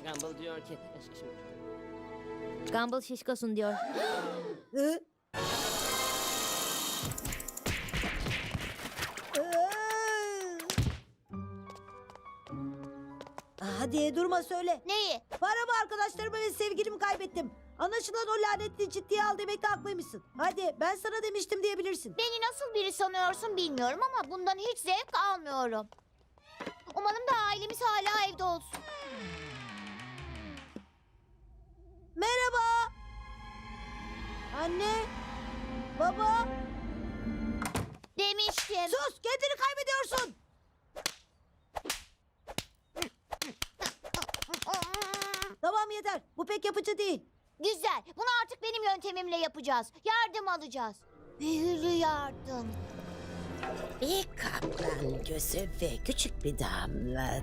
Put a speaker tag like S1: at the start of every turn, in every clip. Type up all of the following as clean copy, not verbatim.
S1: Gumball diyor ki...
S2: Gumball şişkosun diyor.
S3: Hı? Hadi durma söyle.
S4: Neyi?
S3: Paramı, arkadaşlarımı ve sevgilimi kaybettim. Anlaşılan o lanetli ciddiye al demekte haklıymışsın. Hadi ben sana demiştim diyebilirsin.
S4: Beni nasıl biri sanıyorsun bilmiyorum ama bundan hiç zevk almıyorum. Umarım da ailemiz hala evde olsun.
S3: Merhaba. Anne. Baba.
S4: Demiştim.
S3: Sus, kendini kaybediyorsun. Tamam yeter. Bu pek yapıcı değil.
S4: Güzel. Bunu artık benim yöntemimle yapacağız. Yardım alacağız. Büyülü yardım.
S5: Bir kaplan gözü ve küçük bir damla.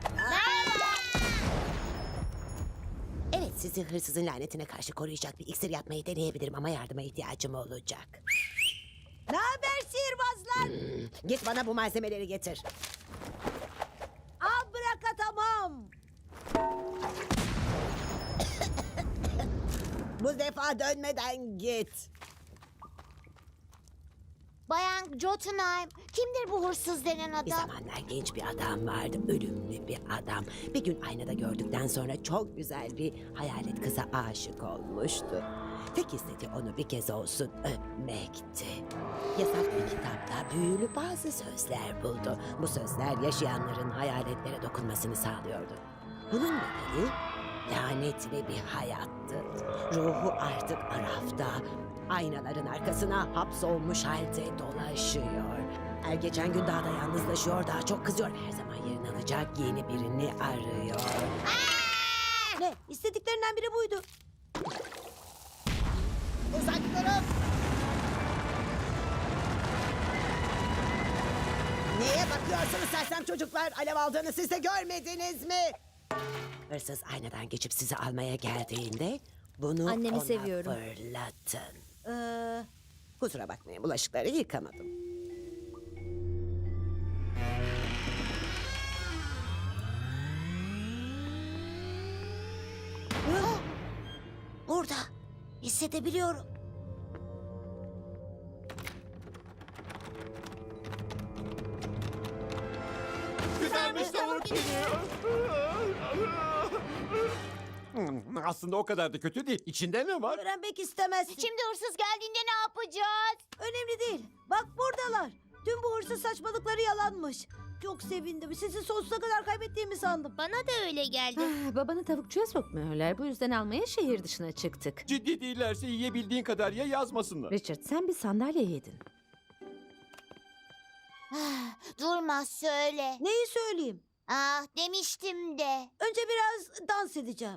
S5: Evet, sizi hırsızın lanetine karşı koruyacak bir iksir yapmayı deneyebilirim ama yardıma ihtiyacım olacak.
S3: Ne haber sihirbazlar?
S5: Git bana bu malzemeleri getir.
S3: Al bırak tamam.
S5: Bu defa dönmeden git.
S4: Bayan Jotunheim, kimdir bu hırsız denen
S5: Bir
S4: adam?
S5: zamanlar genç bir adam vardı, ölümlü bir adam. Bir gün aynada gördükten sonra çok güzel bir hayalet kıza aşık olmuştu. Tek istediği onu bir kez olsun öpmekti. Yasak bir kitapta büyülü bazı sözler buldu. Bu sözler yaşayanların hayaletlere dokunmasını sağlıyordu. Bunun nedeni lanetli bir hayattı. Ruhu artık arafta, aynaların arkasına hapsolmuş halde dolaşıyor. Her geçen gün daha da yalnızlaşıyor, daha çok kızıyor. Her zaman yerini alacak yeni birini arıyor.
S3: Ne? İstediklerinden biri buydu.
S5: Uzak durun! Neye bakıyorsunuz sersem çocuklar? Alev aldığını siz de görmediniz mi? Hırsız aynadan geçip sizi almaya geldiğinde bunu
S2: Annemi
S5: ona
S2: seviyorum.
S5: fırlatın.
S3: Ee,
S5: Kusura bakmayın, bulaşıkları yıkamadım.
S3: burada. Hissedebiliyorum.
S6: Güzelmiş tavuk geliyor. Aslında o kadar da kötü değil. İçinde ne var?
S3: Öğrenmek istemezsin.
S4: Şimdi hırsız geldiğinde ne yapacağız?
S3: Önemli değil. Bak buradalar. Tüm bu hırsız saçmalıkları yalanmış. Çok sevindim. Sizi sonsuza kadar kaybettiğimi sandım.
S4: Bana da öyle geldi.
S7: Babanı tavukçuya sokmuyorlar. Bu yüzden almaya şehir dışına çıktık.
S6: Ciddi değillerse yiyebildiğin kadar ye, yazmasınlar.
S7: Richard, sen bir sandalye yedin.
S4: Durma söyle.
S3: Neyi söyleyeyim?
S4: Ah demiştim de.
S3: Önce biraz dans edeceğim.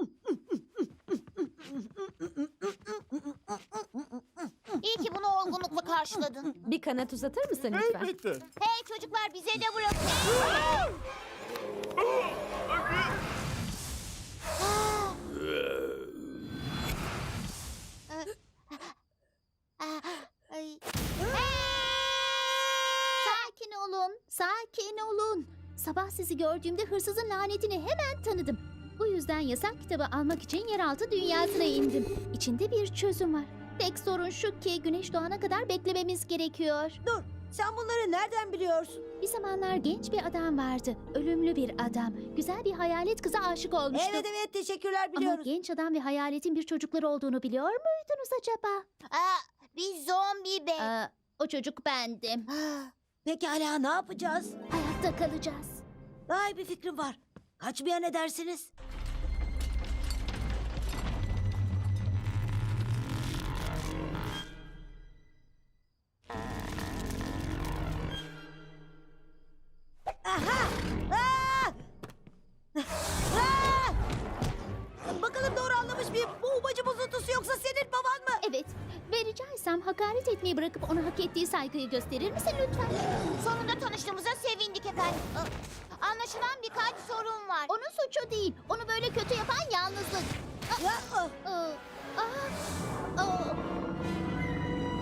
S4: İyi ki bunu olgunlukla karşıladın.
S7: Bir kanat uzatır mısın lütfen?
S6: Elbette.
S4: Hey çocuklar bize de bırakın. Ay.
S8: Sakin olun, sakin olun. Sabah sizi gördüğümde hırsızın lanetini hemen tanıdım. Bu yüzden yasak kitabı almak için yeraltı dünyasına indim. İçinde bir çözüm var. Tek sorun şu ki güneş doğana kadar beklememiz gerekiyor.
S3: Dur. Sen bunları nereden biliyorsun?
S8: Bir zamanlar genç bir adam vardı. Ölümlü bir adam. Güzel bir hayalet kıza aşık olmuştu.
S3: Evet evet teşekkürler
S8: Ama
S3: biliyoruz.
S8: genç adam ve hayaletin bir çocukları olduğunu biliyor muydunuz acaba?
S4: Bir zombi be.
S8: O çocuk bendim.
S3: Pekala ne yapacağız?
S8: Hayatta kalacağız.
S3: Daha iyi bir fikrim var. Kaçmaya ne dersiniz? Aha! Aa! Aa! Bakalım doğru anlamış mıyım? Bu ubacı bozuntusu yoksa senin baban mı?
S8: Evet ve rica etsem hakaret etmeyi bırakıp ona hak ettiği saygıyı gösterir misin lütfen?
S4: Sonunda tanıştığımıza sevindik efendim. Anlaşılan birkaç sorun var.
S8: Onun suçu değil. Onu böyle kötü yapan yalnızlık.
S3: Ya,
S8: Aa, aa, aa.